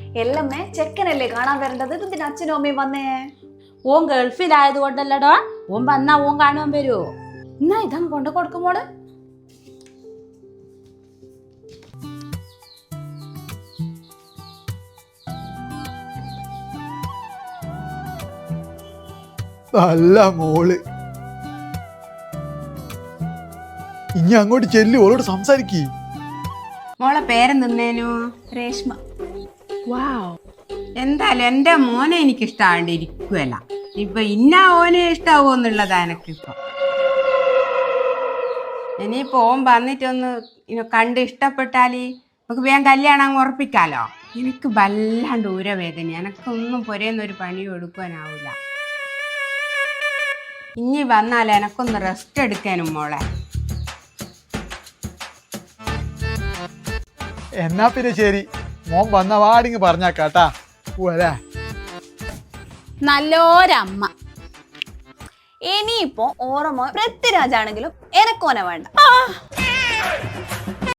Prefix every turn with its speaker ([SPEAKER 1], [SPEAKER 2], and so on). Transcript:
[SPEAKER 1] എല്ലമ്മേ ചെക്കനല്ലേ കാണാൻ വരേണ്ടത്, ഇതിന് അച്ഛനും അമ്മയും വന്നേ?
[SPEAKER 2] ഓൻ ഗൾഫിലായത് കൊണ്ടല്ലടോ, ഓൻ വന്നാ ഓൻ കാണുവാൻ വരുമോ?
[SPEAKER 1] എന്നാ ഇതങ്ങ് കൊണ്ടു കൊടുക്കുമോള്.
[SPEAKER 3] നല്ല മോള്. ഇനി അങ്ങോട്ട് ചെല്ലു, ഓളോട് സംസാരിക്കേ.
[SPEAKER 4] മോളെ പേരെന്തിന്നേനു?
[SPEAKER 1] രേഷ്മ.
[SPEAKER 4] വാവ്, എന്തായാലും എൻ്റെ മോനെ എനിക്ക് ഇഷ്ടമാണ്ടിരിക്കുവല്ല. ഇപ്പൊ ഇന്ന ഓനെ ഇഷ്ടാവോ എന്നുള്ളതാ എനക്കിപ്പൊ. ഇനിയിപ്പോ ഓൻ വന്നിട്ടൊന്ന് കണ്ട് ഇഷ്ടപ്പെട്ടാല് നമുക്ക് വേഗം കല്യാണം ഉറപ്പിക്കാലോ. എനിക്ക് വല്ലാണ്ട് ഊരവേദന, എനക്കൊന്നും പൊരേന്നൊരു പണിയും എടുക്കാനാവൂല. ഇനി വന്നാൽ എനക്കൊന്ന് റെസ്റ്റ് എടുക്കാനും മോളെ.
[SPEAKER 3] എന്നാ പിന്നെ ശരി, മോൻ വന്ന വാടിങ് പറഞ്ഞാക്കാട്ടാ. പോവാ.
[SPEAKER 2] നല്ലോരമ്മ.
[SPEAKER 1] ഇനിയിപ്പോ ഓറമോ പൃഥ്വിരാജാണെങ്കിലും എനക്കോനെ വേണ്ട.